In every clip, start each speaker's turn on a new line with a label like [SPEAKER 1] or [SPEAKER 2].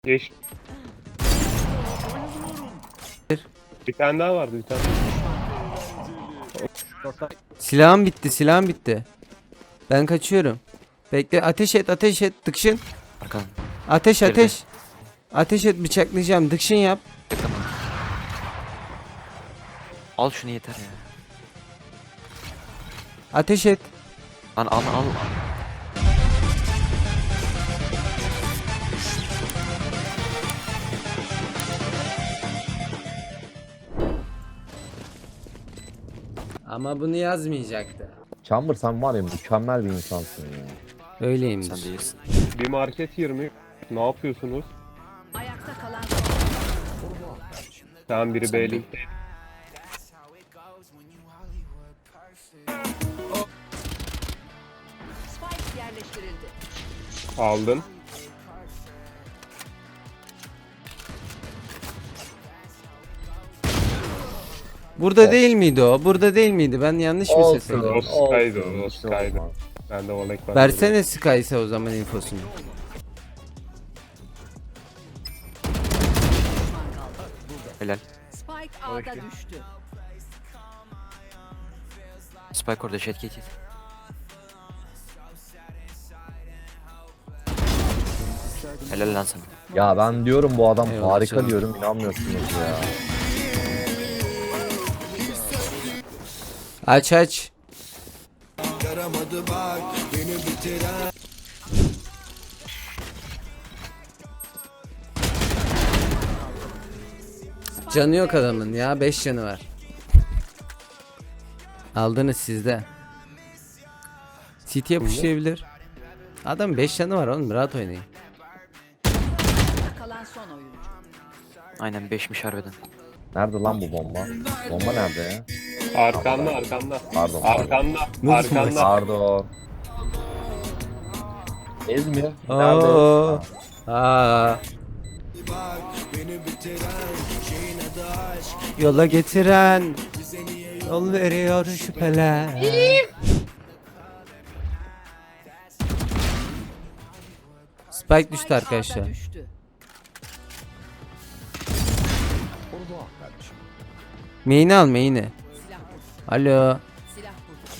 [SPEAKER 1] Geç. Bir tane daha vardı bir tane.
[SPEAKER 2] Silahım bitti, silahım bitti. Ben kaçıyorum. Bekle, ateş et, ateş et, dıkşın.
[SPEAKER 3] Arkadan.
[SPEAKER 2] Ateş,
[SPEAKER 3] Geride.
[SPEAKER 2] ateş. Ateş et, bıçaklayacağım, dıkşın yap.
[SPEAKER 3] Tamam. Al şunu yeter ya.
[SPEAKER 2] Ateş et.
[SPEAKER 3] Al.
[SPEAKER 2] Ama bunu yazmayacaktı.
[SPEAKER 4] Chamber sen var ya mükemmel bir insansın ya.
[SPEAKER 2] Öyleyimdir.
[SPEAKER 3] Sen değilsin.
[SPEAKER 1] Bir market 20. Ne yapıyorsunuz?
[SPEAKER 5] Ayakta kalan
[SPEAKER 1] Tamam biri
[SPEAKER 3] Sen
[SPEAKER 1] B'link.
[SPEAKER 5] Spike yerleştirildi.
[SPEAKER 1] Aldın.
[SPEAKER 2] Burada değil miydi o? Burada değil miydi? Ben yanlış mı ses
[SPEAKER 1] O
[SPEAKER 2] ediyorum?
[SPEAKER 1] Sky'dı o
[SPEAKER 4] bir şey
[SPEAKER 1] Sky'dı.
[SPEAKER 4] olmaz.
[SPEAKER 1] Ben de Volek var.
[SPEAKER 2] Versene Sky'se o zaman infosunu.
[SPEAKER 3] Helal.
[SPEAKER 5] Spike A'da düştü.
[SPEAKER 3] Spike orada şet geç. Helal lan sana.
[SPEAKER 4] Ya ben diyorum bu adam
[SPEAKER 2] Eyvallah
[SPEAKER 4] harika
[SPEAKER 2] canım.
[SPEAKER 4] diyorum inanmıyorsunuz ya.
[SPEAKER 2] Aç aç. Canı yok adamın ya, 5 canı var. Aldınız sizde. City'ye pushlayabilir. Adam 5 canı var oğlum, rahat oynayın.
[SPEAKER 5] Ayakta kalan son oyuncu.
[SPEAKER 3] Aynen 5'miş harbiden.
[SPEAKER 4] Nerede lan bu bomba? Bomba nerede ya?
[SPEAKER 1] Arkanda.
[SPEAKER 4] Pardon.
[SPEAKER 1] Arkanda.
[SPEAKER 4] Pardon. İzmir.
[SPEAKER 2] Oo.
[SPEAKER 4] Nerede?
[SPEAKER 2] Aa. Yola getiren yol veriyor şüpheler. Spike düştü arkadaşlar.
[SPEAKER 5] A'da düştü.
[SPEAKER 2] Main'i al main'i.
[SPEAKER 5] Silah burada.
[SPEAKER 2] Alo.
[SPEAKER 5] Silah burada.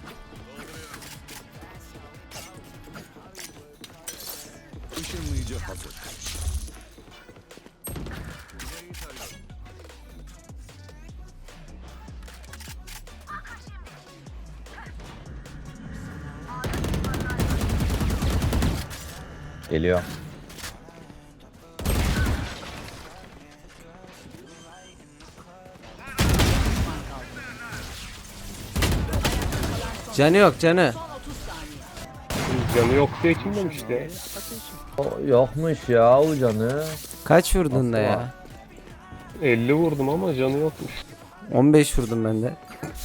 [SPEAKER 4] Geliyor.
[SPEAKER 2] Canı yok canı.
[SPEAKER 5] Son 30 saniye.
[SPEAKER 1] Canı yok diye kim demişti?
[SPEAKER 4] O, yokmuş ya o canı.
[SPEAKER 2] Kaç vurdun da
[SPEAKER 4] Nasıl
[SPEAKER 2] ya?
[SPEAKER 1] 50 vurdum ama canı yokmuş.
[SPEAKER 2] 15 vurdum ben de.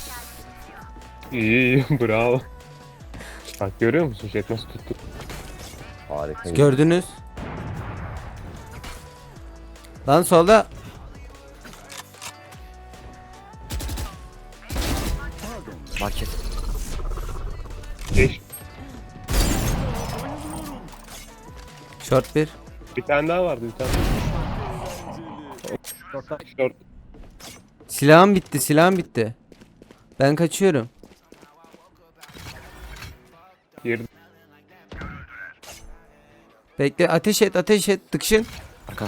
[SPEAKER 1] İyi bravo. Bak görüyor musun Jet nasıl tuttu?
[SPEAKER 4] Harika.
[SPEAKER 2] Gördünüz. Lan solda.
[SPEAKER 3] Market.
[SPEAKER 1] Geç.
[SPEAKER 2] Short bir.
[SPEAKER 1] Bir tane daha vardı bir tane. Short.
[SPEAKER 2] Silahım bitti, silahım bitti. Ben kaçıyorum.
[SPEAKER 1] Girdi.
[SPEAKER 2] Bekle, ateş et, ateş et, dıkşın.
[SPEAKER 3] Arkadan.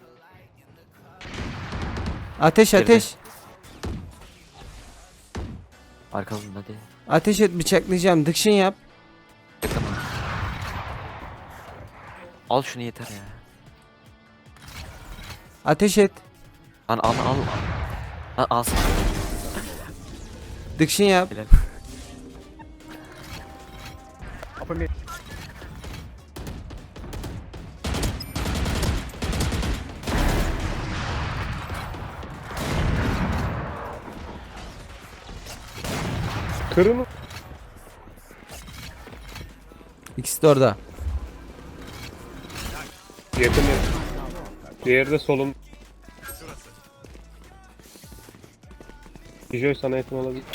[SPEAKER 2] Ateş,
[SPEAKER 3] Geride.
[SPEAKER 2] ateş.
[SPEAKER 3] Arkadan hadi.
[SPEAKER 2] Ateş et, bıçaklayacağım, dıkşın yap.
[SPEAKER 3] Tamam. Al şunu yeter ya.
[SPEAKER 2] Ateş et,
[SPEAKER 3] Al sana.
[SPEAKER 2] dıkşın yap.
[SPEAKER 3] Helal.
[SPEAKER 1] Kırın.
[SPEAKER 2] İkisi de orada.
[SPEAKER 1] Yakın. Diğeri de solun. Bijoy sana yakın olabilir.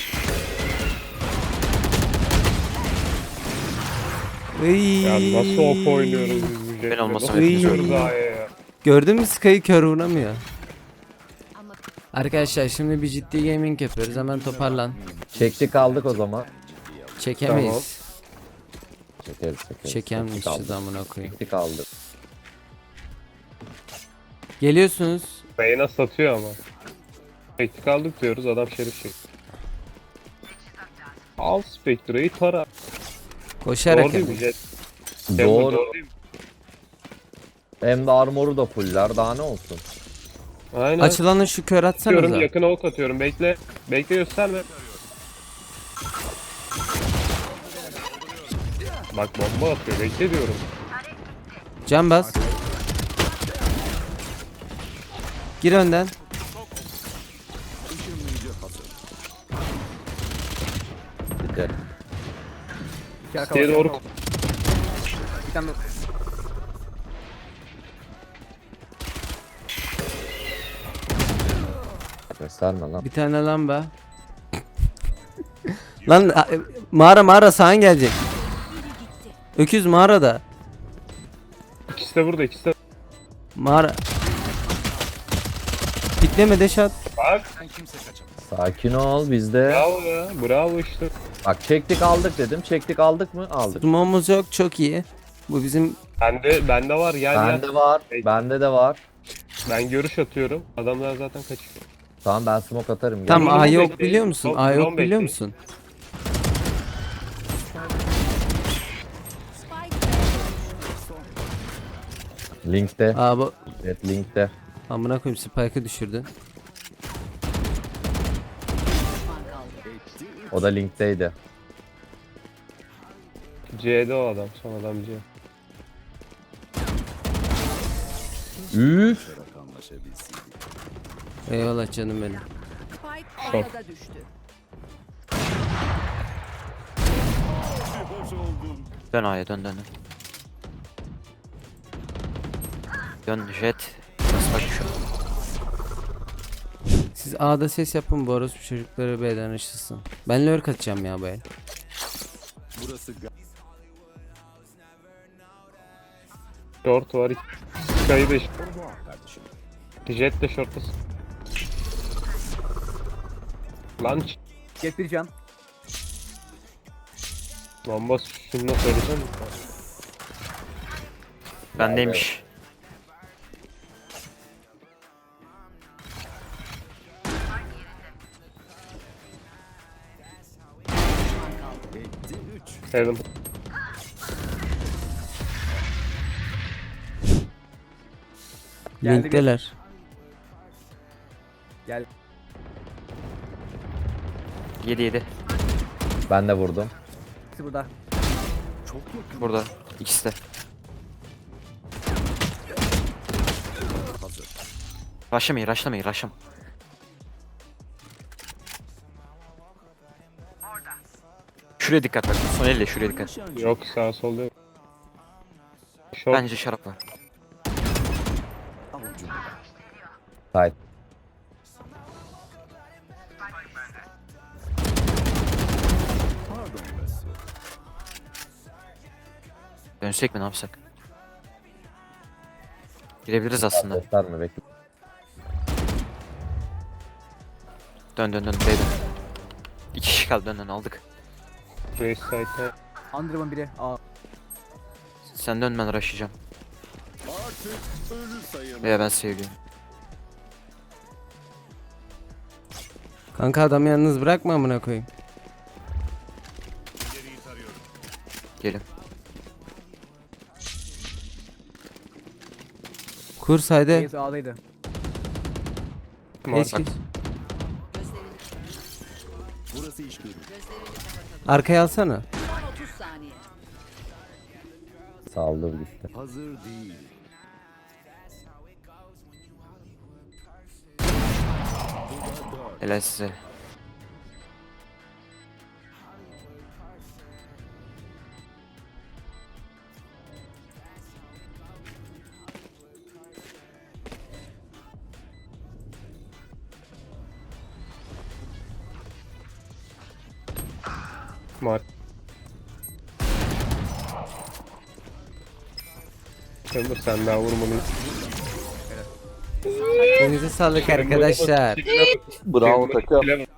[SPEAKER 2] Iy.
[SPEAKER 1] Ya nasıl op oynuyoruz biz bu
[SPEAKER 3] Ben olmasam
[SPEAKER 1] Nasıl
[SPEAKER 2] hepiniz
[SPEAKER 1] gidiyoruz
[SPEAKER 2] ölürdünüz.
[SPEAKER 1] A'ya ya?
[SPEAKER 2] Gördün mü Sky'ı kör vuramıyor.
[SPEAKER 5] Ama
[SPEAKER 2] Arkadaşlar şimdi bir ciddi gaming yapıyoruz. Hemen toparlan.
[SPEAKER 4] Çektik aldık o zaman.
[SPEAKER 2] Çekemeyiz.
[SPEAKER 4] Çekeriz.
[SPEAKER 2] Çekemeyiz
[SPEAKER 4] Çektik,
[SPEAKER 2] şu zamana koyayım.
[SPEAKER 4] Çektik aldık.
[SPEAKER 2] Geliyorsunuz.
[SPEAKER 1] Beyna satıyor ama. Teknik aldık diyoruz, adam şerif çekti. Al Spectre'yi tara.
[SPEAKER 2] Koşarak
[SPEAKER 1] Doğru değil mi
[SPEAKER 2] hemen.
[SPEAKER 1] Jet?
[SPEAKER 4] Doğru.
[SPEAKER 1] Değil mi?
[SPEAKER 4] Hem de armoru da fuller. Daha ne olsun?
[SPEAKER 1] Aynen.
[SPEAKER 2] Açılanı şu kör
[SPEAKER 1] Atıyorum,
[SPEAKER 2] atsanıza.
[SPEAKER 1] yakına ok atıyorum. Bekle. Bekle, gösterme. Bak bomba atıyor. Bekle diyorum.
[SPEAKER 2] Can bas. Gir önden.
[SPEAKER 4] Gidelim.
[SPEAKER 1] Diye doğru.
[SPEAKER 4] Gösterme lan.
[SPEAKER 2] Bir tane lamba. Lan mağara sağın gelecek. Öküz mağarada.
[SPEAKER 1] İkisi de burada, ikisi de.
[SPEAKER 2] Mağara. Pikleme deşat.
[SPEAKER 1] Bak.
[SPEAKER 4] Sakin ol bizde.
[SPEAKER 1] Bravo ya. Bravo işte.
[SPEAKER 4] Bak çektik aldık dedim. Çektik aldık mı? Aldık.
[SPEAKER 2] Sumomuz yok, çok iyi. Bu bizim
[SPEAKER 1] Bende var. Gel gel.
[SPEAKER 4] Bende var.
[SPEAKER 1] Peki.
[SPEAKER 4] Bende de var.
[SPEAKER 1] Ben görüş atıyorum. Adamlar zaten kaçıyor.
[SPEAKER 4] Tamam ben smoke atarım.
[SPEAKER 2] tam
[SPEAKER 1] Drone
[SPEAKER 2] A yok
[SPEAKER 1] bekleyin.
[SPEAKER 2] biliyor musun? A
[SPEAKER 1] Drone
[SPEAKER 2] yok biliyor
[SPEAKER 1] bekleyin.
[SPEAKER 2] musun?
[SPEAKER 4] Linkte.
[SPEAKER 2] Aa bu
[SPEAKER 4] Evet linkte.
[SPEAKER 2] amına koyayım spike'ı düşürdün.
[SPEAKER 5] düşman kaldı.
[SPEAKER 4] O da linkteydi.
[SPEAKER 1] C'de o adam. Son adam C.
[SPEAKER 4] Üf.
[SPEAKER 2] Eyvallah canım benim.
[SPEAKER 5] Spike ortada düştü.
[SPEAKER 3] Dön A'ya dön. Dön Jet. Nasıl bak şu?
[SPEAKER 2] Siz A'da ses yapın, bu orospu çocukları B'den ışılsın. Ben lurk atacağım ya bu el.
[SPEAKER 1] Short var. Sky'ı da Jet de short'tasın. Lan
[SPEAKER 6] Jet bir can.
[SPEAKER 1] bomba şunu da söylesene.
[SPEAKER 3] Bendeymiş.
[SPEAKER 1] Heaven.
[SPEAKER 6] Geldi
[SPEAKER 2] Linkteler.
[SPEAKER 6] Gel.
[SPEAKER 3] 7.
[SPEAKER 4] Ben de vurdum.
[SPEAKER 6] İkisi burada.
[SPEAKER 3] Burada. İkisi de. Rushlamayın. Şuraya dikkat bak. Son elle şuraya dikkat.
[SPEAKER 1] Yok, sağ sol yok. Short.
[SPEAKER 3] Bence şarap var.
[SPEAKER 4] Side.
[SPEAKER 3] Dönsek mi ne yapsak? Girebiliriz aslında.
[SPEAKER 4] Gösterme bekle.
[SPEAKER 3] Dön B'den. 2 kişi kaldı dön aldık.
[SPEAKER 1] Race side'e.
[SPEAKER 6] Underwood biri. Aa.
[SPEAKER 3] Sen dön ben rushlayacağım. Veya ben seviyorum.
[SPEAKER 2] Kanka adamı yalnız bırakma amına koyayım.
[SPEAKER 3] Gelin.
[SPEAKER 2] Kur saydı.
[SPEAKER 6] Reis A'daydı.
[SPEAKER 2] Geç
[SPEAKER 1] Bak.
[SPEAKER 2] geç. Arkaya alsana.
[SPEAKER 5] Son 30 saniye.
[SPEAKER 4] Saldır gitti.
[SPEAKER 3] Helal size.
[SPEAKER 1] Var. Chamber sen daha vurmalıyız.
[SPEAKER 2] Elinize sağlık arkadaşlar.
[SPEAKER 7] Bravo takım.